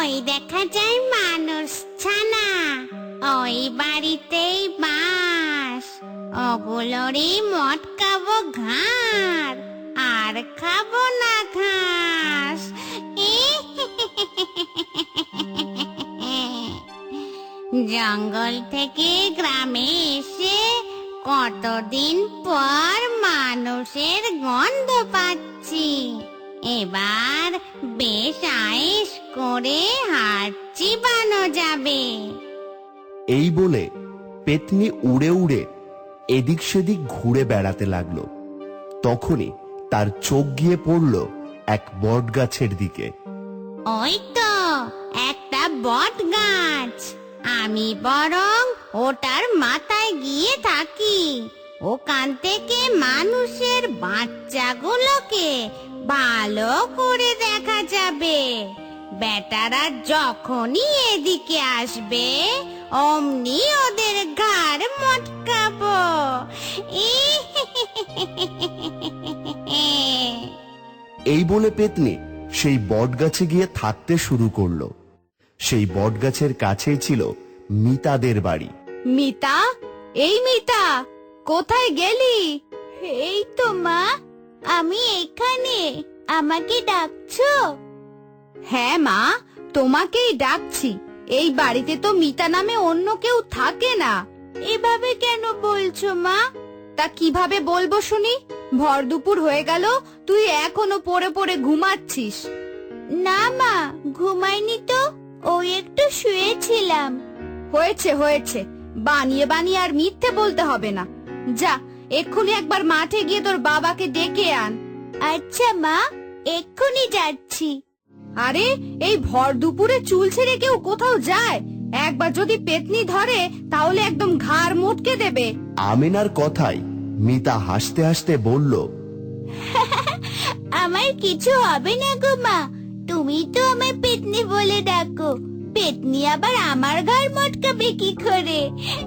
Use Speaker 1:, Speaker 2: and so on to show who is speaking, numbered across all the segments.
Speaker 1: ওই দেখা যায় মানুষ ছানা, ওই বাড়িতেই বাস। ওগুলোরই মটকাবো ঘাড়, আর খাবো না ঘাস। জঙ্গল থেকে গ্রামে এসে কতদিন পর মানুষের গন্ধ পাচ্ছি। এবার বেশ আয়েশ করে হাড় চিবানো যাবে।
Speaker 2: এই বলে পেতনি উড়ে উড়ে এদিক সেদিক ঘুরে বেড়াতে লাগলো। তখনই তার চোখ গিয়ে পড়ল এক বট গাছের দিকে।
Speaker 1: ওই তো একটা বট গাছ, আমি বরং ওটার মাথায় গিয়ে থাকি। ওখান থেকে মানুষের বাচ্চাগুলোকে ভালো করে দেখা যাবে। বেটারা যখনই এদিকে আসবে অমনি ওদের ঘাড় মটকাবো।
Speaker 2: এই বলে পেতনি সেই বট গাছে গিয়ে থাকতে শুরু করলো। সেই বট গাছের কাছেই ছিল মিতাদের বাড়ি।
Speaker 3: মিতা, এই মিতা, কোথায় গেলি?
Speaker 1: এই তো মা, আমি এখানে। আমাকে ডাকছো?
Speaker 3: হ্যাঁ মা, তোমাকেই ডাকছি। এই বাড়িতে তো মিতা নামে অন্য কেউ থাকে না।
Speaker 1: এভাবে কেন বলছো মা?
Speaker 3: তা কিভাবে বলবো শুনি? ভর দুপুর হয়ে গেল, তুই এখনো পড়ে পড়ে ঘুমাচ্ছিস।
Speaker 1: না মা, ঘুমাইনি তো, ওই একটু শুয়েছিলাম।
Speaker 3: হয়েছে হয়েছে, বানিয়ে বানিয়ে আর মিথ্যে বলতে হবে না। যা, এক্ষুনি একবার মাঠে গিয়ে তোর বাবাকে ডেকে আন।
Speaker 1: আচ্ছা মা, এক্ষুনি যাচ্ছি।
Speaker 3: আরে, এই ভর দুপুরে চুল ছেড়ে কেউ কোথাও যায়? একবার যদি পেতনি ধরে তাহলে একদম ঘাড় মোটকে দেবে।
Speaker 2: আমিনার কথায় মিতা হাসতে হাসতে বলল,
Speaker 1: আমার কিছু হবে না গো মা, তুমি তো আমায় পেতনি বলে ডাকো। পেতনি আবার আমার ঘাড় মটকাবে কি করে?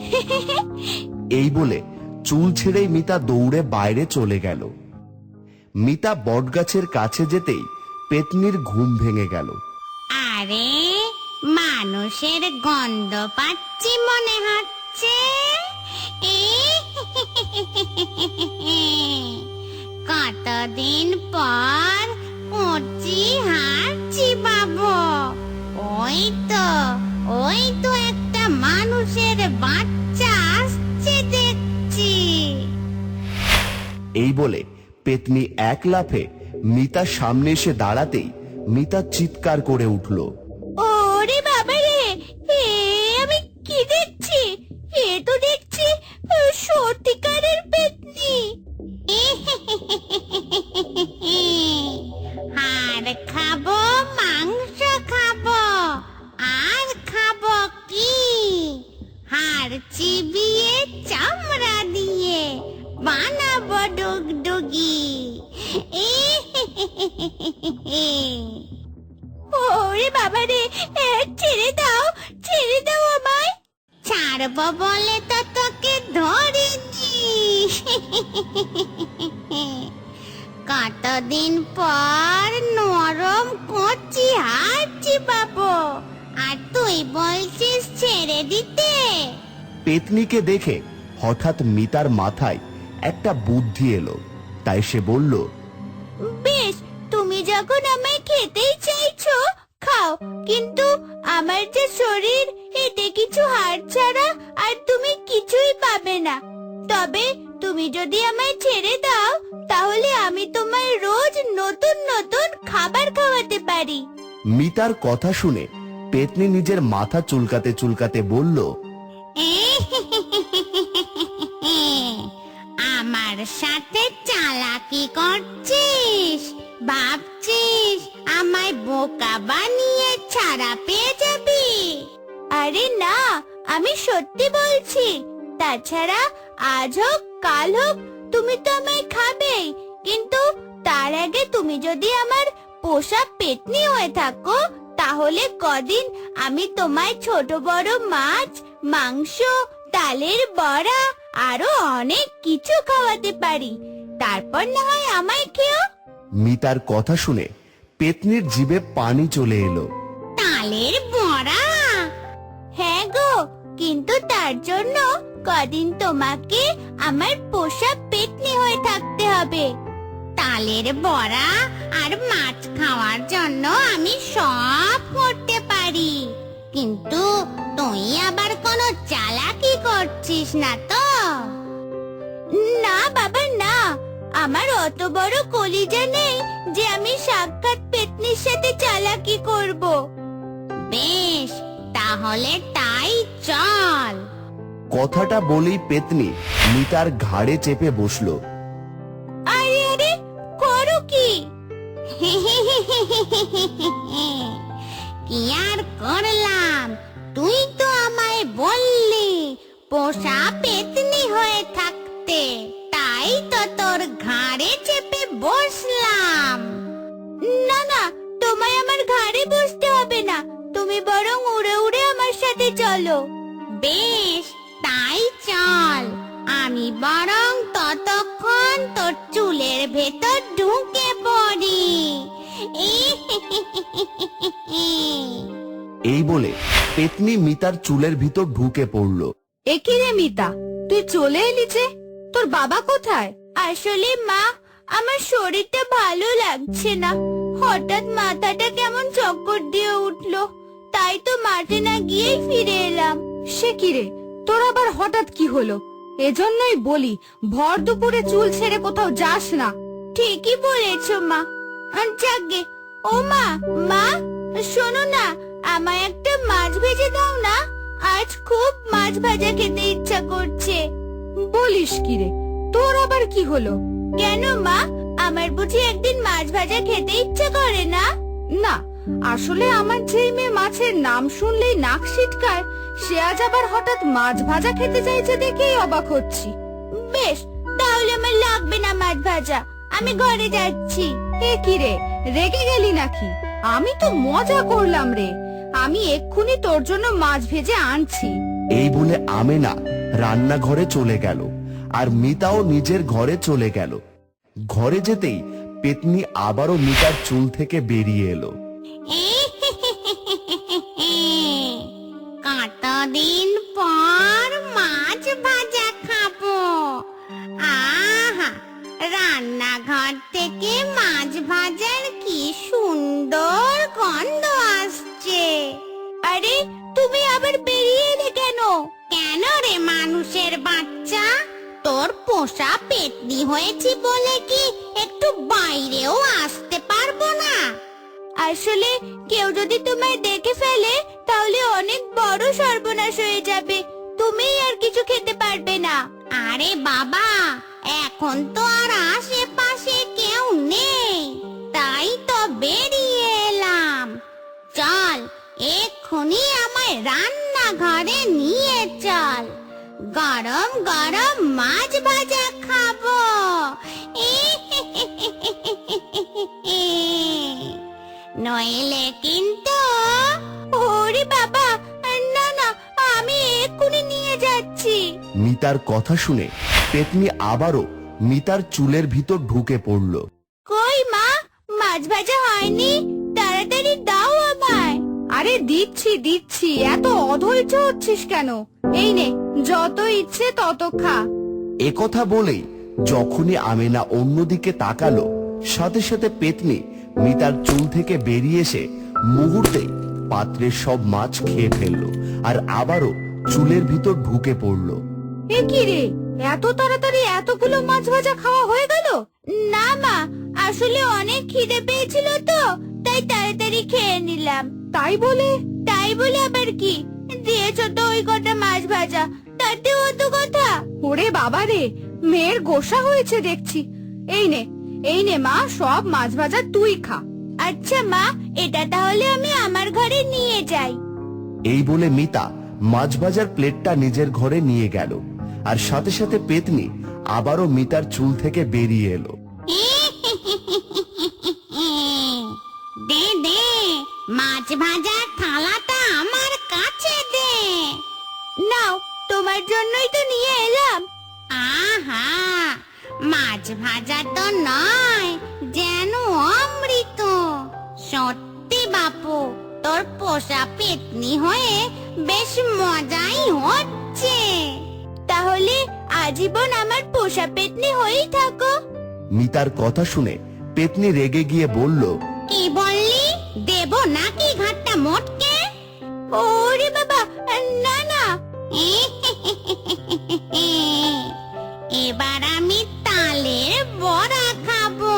Speaker 2: এই বলে চুল ছেড়েই মিতা দৌড়ে বাইরে চলে গেল। মিতা বটগাছের কাছে যেতেই পেতনির ঘুম ভেঙে গেল।
Speaker 1: আরে, মানুষের গন্ধ পাচ্ছি মনে হচ্ছে। কতদিন পর কচি হাড় চিবাবো। ওই তো একটা মানুষের বাচ্চা আসছে দেখছি।
Speaker 2: এই বলে পেতনি এক লাফে মিতার সামনে এসে দাঁড়াতেই মিতা চিৎকার করে উঠল।
Speaker 1: ওরে বাবা রে, আমি কি দেখছি? এ তো দেখছি সত্যিকারের পেতনি। হাড় খাবো, মাংস খাবো, আর খাবো কি? হাড় চিবিয়ে চামড়া দিয়ে বানাবো ডুগডুগি। ওরে বাবা রে, ছেড়ে দাও আমায়। ছাড়বো বলে তো তোকে ধরিনি। কতদিন পর নরম কচি হাড় চিবাবো, আর তুই বলছিস ছেড়ে দিতে?
Speaker 2: পেতনিকে দেখে হঠাৎ মিতার মাথায় একটা বুদ্ধি এলো। তাই সে বলল,
Speaker 1: বেশ, তুমি যখন আমায় খেতেই চাইছো খাও, কিন্তু আমার যে শরীর, এতে কিছু হাড় ছাড়া আর তুমি কিছুই পাবে না। তবে তুমি যদি আমায় ছেড়ে দাও তাহলে আমি তোমায় রোজ নতুন নতুন খাবার খাওয়াতে পারি।
Speaker 2: মিতার কথা শুনে পেতনি নিজের মাথা চুলকাতে চুলকাতে বলল,
Speaker 1: আমার সাথে চালাকি করছিস? ভাবছিস আমায় বোকা বানিয়ে ছাড়া পেয়ে যাবি? আরে না, আমি সত্যি বলছি। তাছাড়া আজ হোক কাল হোক তুমি তো আমায় খাবেই, কিন্তু তার আগে তুমি যদি আমার পোষা পেতনি হয়ে থাকো তাহলে কদিন আমি তোমায় ছোট বড় মাছ, মাংস, ডালের বড়া আরো অনেক কিছু খাওয়াতে পারি। তারপর না হয় আমায় খেও।
Speaker 2: মিতার কথা শুনে পেতনির জিভে পানি চলে এলো।
Speaker 1: তালের তার জন্য কদিন তোমাকে আমার পোষা পেতনি হয়ে থাকতে হবে। তালের বড়া আর মাছ খাওয়ার জন্য আমি সব করতে পারি, কিন্তু তুই আবার কোনো চালাকি করছিস না তো? না বাবা না, আমার অত বড় কলিজা নেই যে আমি সাক্ষাৎ পেতনির সাথে চালাকি করব। বেশ, তাহলে তাই চল।
Speaker 2: কথাটা বলেই পেতনি মিতার ঘাড়ে চেপে বসলো।
Speaker 1: আরে আরে, করো কি? কি আর করলাম, তুই তো আমায় বললি পোষা পেতনি হয়ে থাকতে, তাই তো তোর ঘাড়ে চেপে বসলাম। না না, তোমায় আমার ঘাড়ে বসতে হবে না, তুমি বরং উড়ে উড়ে আমার সাথে চলো। বেশ, তাই চল। আমি বরং ততক্ষণ তোর চুলের ভেতর ঢুকে পড়ি।
Speaker 2: এই বলে পেতনি মিতার চুলের ভিতর ঢুকে পড়লো।
Speaker 3: একি রে মিতা, তুই চলে এলি যে? তোর বাবা কোথায়?
Speaker 1: আসলে মা, আমার শরীরটা ভালো লাগছে না, হঠাৎ মাথাটা কেমন চক্কর দিয়ে উঠলো, তাই তো মাঠে না গিয়েই ফিরে এলাম।
Speaker 3: সে কি রে, তোর আবার হঠাৎ কি হলো? এজন্যই বলি ভর দুপুরে চুল ছেড়ে কোথাও যাস না।
Speaker 1: ঠিকই বলেছো মা। যাগে, ও মা, মা শোনো না, আমায় একটা মাছ ভেজে দাও না, আজ খুব মাছ ভাজা খেতে ইচ্ছা করছে।
Speaker 3: বলিস কি রে, তোর আবার কি হলো?
Speaker 1: কেন মা, আমার বুঝি একদিন মাছ ভাজা খেতে ইচ্ছা করে না?
Speaker 3: না, আসলে আমার যেই মেয়ে মাছের নাম শুনলেই নাক সিটকায়, সে আজ আবার হঠাৎ মাছ ভাজা খেতে চাইছে দেখেই অবাক হচ্ছি।
Speaker 1: বেশ, তাহলে আমার লাগবে না মাছ ভাজা, আমি ঘরে যাচ্ছি।
Speaker 3: এ কি রে, রেগে গেলি নাকি? আমি তো মজা করলাম রে, আমি এক্ষুনি তোর জন্য মাছ ভেজে আনছি।
Speaker 2: এই বলে আমেনা রান্নাঘরে চলে গেল, আর মিতাও নিজের ঘরে চলে গেল। ঘরে যেতেই পেতনি আবারও মিতার চুল থেকে বেরিয়ে এলো।
Speaker 1: কতদিন পর মাছ ভাজা খাবো। আহা, রান্নাঘর থেকে মাছ ভাজার কি সুন্দর গন্ধ আসছে। আরে, তুমি আবার বেরিয়ে এলে কেন? কেন রে মানুষের বাচ্চা, তোর পোষা পেতনি হয়েছি বলে কি একটু বাইরেও আসতে পারবো না? আসলে কেউ যদি তোমায় দেখে ফেলে তাহলে অনেক বড় সর্বনাশ হয়ে যাবে, তুমি আর কিছু খেতে পারবে না। আরে বাবা, এখন তো আর আশেপাশে কেউ নেই, তাই তো বেরিয়ে এলাম। চল, এক্ষুনি আমায় রান্নাঘরে নিয়ে চল, গরম গরম মাছ ভাজা খাবো। নইলে কিন্তু। ওরে বাবা, না না, আমি এক্ষুনি নিয়ে যাচ্ছি।
Speaker 2: মিতার কথা শুনে পেতনি আবারও মিতার চুলের ভিতর ঢুকে পড়লো।
Speaker 1: কই মা, মাছ ভাজা হয়নি, তাড়াতাড়ি দাও আমায়।
Speaker 3: আরে দিচ্ছি দিচ্ছি, এত অধৈর্য হচ্ছিস কেন? এই নে, যত ইচ্ছে তত খা।
Speaker 2: একথা বলেই যখনই আমেনা অন্যদিকে তাকালো, সাথে সাথে পেতনি মিতার চুল থেকে বেরিয়ে এসে মুহূর্তেই পাত্রের সব মাছ খেয়ে ফেললো, আর আবারও চুলের ভিতর ঢুকে পড়লো।
Speaker 3: এ কি রে, এত তাড়াতাড়ি এতগুলো মাছ ভাজা খাওয়া হয়ে গেল?
Speaker 1: না মা, আসলে অনেক খিদে পেয়েছিল তো, তাই তাড়াতাড়ি খেয়ে নিলাম।
Speaker 3: তাই বলে
Speaker 1: আবার কি, দিয়েছ তো ওই কটা মাছ ভাজা, তাতে অত কথা?
Speaker 3: ওরে বাবা রে, মেয়ের গোসা হয়েছে দেখছি। এই নে মা, সব মাছ ভাজা তুই খা।
Speaker 1: আচ্ছা মা, এটা তাহলে আমি আমার ঘরে নিয়ে যাই।
Speaker 2: এই বলে মিতা মাছ ভাজার প্লেটটা নিজের ঘরে নিয়ে গেল, আর সাথে সাথে পেতনি আবারও মিতার চুল থেকে বেরিয়ে এলো।
Speaker 1: দে দে, মাছ ভাজার থালাটা আমার কাছে দে। নাও, তোমার জন্যই তো নিয়ে এলাম। আহা, মাছ ভাজা তো নয়, যেন অমৃত। সত্যি বাপু, তোর পোষা পেতনি হয়ে বেশ মজাই হচ্ছে। তাহলে আজীবন আমার পোষা পেতনি হয়েই থাকো।
Speaker 2: মিতার কথা শুনে পেতনি রেগে গিয়ে বলল,
Speaker 1: কি বললি? দেব নাকি ঘাটটা মোটকে? ওরে বাবা, না না। এবার আমি তালের বড়া খাবো।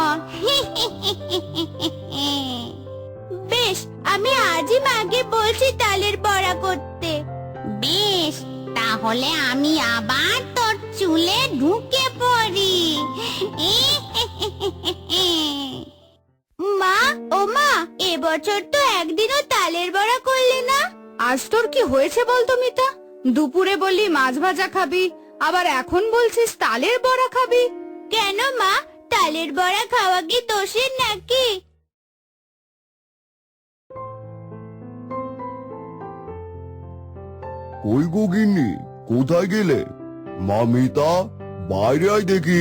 Speaker 1: বেশ, আমি আজই মাকে বলছি তালের বড়া করতে। বেশ, তাহলে আমি আবার তোর চুলে ঢুকে পড়ি। মা, ও মা, এবছর তো একদিনও তালের বড়া করলি না।
Speaker 3: আজ তোর কি হয়েছে বলতো মিতা? দুপুরে বললি মাছ ভাজা খাবি, আবার এখন বলছিস তালের বড়া খাবি।
Speaker 1: কেন মা, তালের বড়া খাওয়া কি দোষের নাকি?
Speaker 2: কই গো গিন্নি, কোথায় গেলে? মা মিতা, বাইরে আয় দেখি।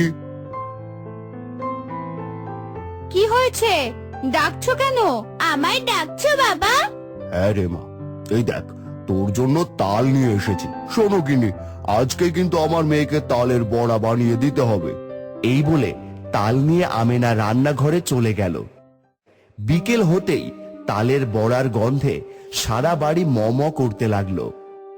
Speaker 3: কি হয়েছে? ডাকছো কেন?
Speaker 1: আমায় ডাকছো বাবা?
Speaker 2: হ্যাঁ রে মা, এই দেখ তোর জন্য তাল নিয়ে এসেছি। শোনো গিন্নি, আজকে কিন্তু আমার মেয়েকে তালের বড়া বানিয়ে দিতে হবে। এই বলে তাল নিয়ে আমেনা রান্নাঘরে চলে গেল। বিকেল হতেই তালের বড়ার গন্ধে সারা বাড়ি মম করতে লাগলো।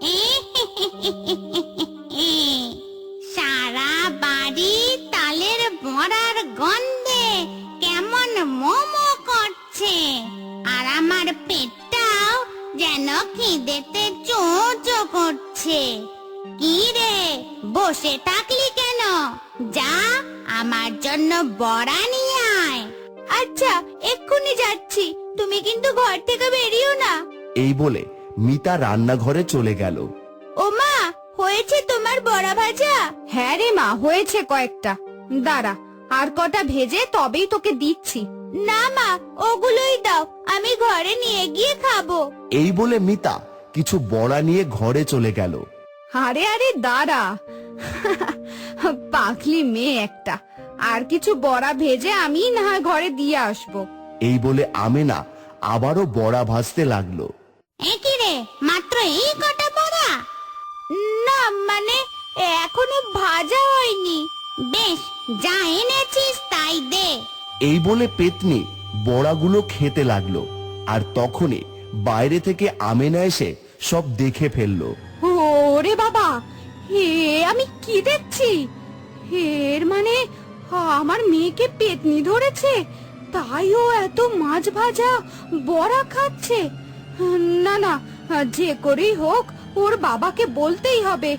Speaker 1: সারা বাড়ি তালের বড়ার গন্ধে কেমন মোমো করছে, আর আমার পেটটাও যেন খিদেতে চোচো করছে। কি রে, বসে থাকলি কেন? যা, আমার জন্য বড়া নিয়ে আয়। আচ্ছা, এক্ষুনি যাচ্ছি, তুমি কিন্তু ঘর থেকে বেরিও না।
Speaker 2: এই বলে মিতা রান্নাঘরে চলে গেল।
Speaker 1: ও মা, হয়েছে তোমার বড়া ভাজা?
Speaker 3: হ্যাঁ রে মা, হয়েছে কয়েকটা। দাঁড়া, আর কটা ভেজে তবেই তোকে দিচ্ছি।
Speaker 1: না মা, ওগুলোই দাও, আমি ঘরে নিয়ে গিয়ে খাবো।
Speaker 2: এই বলে মিতা কিছু বড়া নিয়ে ঘরে চলে গেল।
Speaker 3: আরে আরে দাঁড়া, পাখলি মেয়ে একটা। আর কিছু বড়া ভেজে আমি না হয় ঘরে দিয়ে আসবো।
Speaker 2: এই বলে আমেনা আবারও বড়া ভাজতে লাগলো।
Speaker 1: কি রে, মাত্র এই কটা বড়া? না মানে, এখনো ভাজা হয়নি। বেশ, যা এনেছিস তাই দে।
Speaker 2: এই বলে পেতনি বড়াগুলো খেতে লাগলো। আর তখনই বাইরে থেকে আমেনা এসে সব দেখে ফেললো।
Speaker 3: ওরে বাবা, হে আমি কি দেখছি? এর মানে আমার মেয়েকে পেতনি ধরেছে, তাই ও এত মাছ ভাজা বড়া খাচ্ছে। না না, যে করেই হোক ওর বাবাকে বলতেই হবে।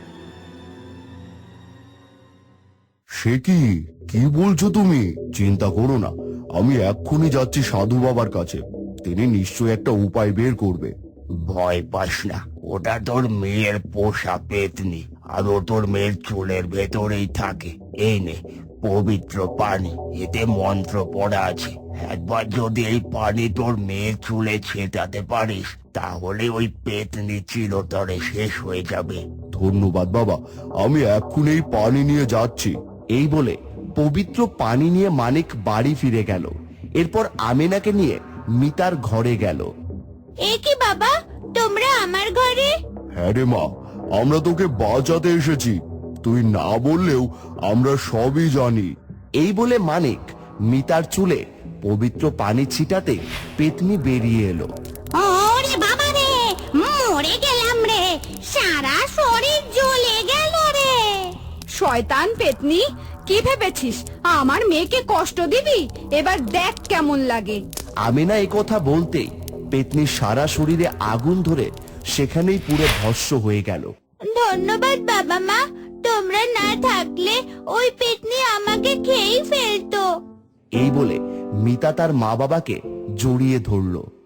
Speaker 2: সে কি বলছো তুমি? চিন্তা করো না, আমি এক্ষুনি যাচ্ছি সাধু বাবার কাছে। তিনি নিশ্চয়ই একটা উপায় বের করবে।
Speaker 4: ভয় পাস না, ওটা তোর মেয়ের পোষা পেতনি, আর ও তোর মেয়ের চুলের ভেতরেই থাকে। এই নে পবিত্র পানি, এতে মন্ত্র পড়া আছে। একবার যদি এই পানি তোর মেয়ের চুলে ছেটাতে পারিস, তাহলে ওই পেতনি চিরতরে শেষ হয়ে যাবে।
Speaker 2: ধন্যবাদ বাবা, আমি এক্ষুনি এই পানি নিয়ে যাচ্ছি। এই বলে পবিত্র পানি নিয়ে মানিক বাড়ি ফিরে গেল। এরপর আমেনাকে নিয়ে মিতার ঘরে গেল।
Speaker 1: এ কি বাবা, তোমরা আমার ঘরে?
Speaker 2: হ্যাঁ রে মা, আমরা তোকে বাঁচাতে এসেছি। তুই না বললেও আমরা সবই জানি। এই বলে মানিক মিতার চুলে পবিত্র পানি ছিটাতে পেতনি বেরিয়ে এলো।
Speaker 1: ওরে বাবা রে, মরে গেলাম রে, সারা শরীর জ্বলে গেল রে।
Speaker 3: শয়তান পেতনি, কি ভেবেছিস আমার মেয়েকে কষ্ট দিবি? এবার দেখ কেমন লাগে।
Speaker 2: আমেনা এই কথা বলতেই পেতনির সারা শরীরে আগুন ধরে সেখানেই পুরো ভস্ম হয়ে গেল।
Speaker 1: ধন্যবাদ বাবা মা, তোমরা না থাকলে ওই পেতনি আমাকে খেয়েই ফেলতো।
Speaker 2: এই বলে মিতা তার মা বাবাকে জড়িয়ে ধরলো।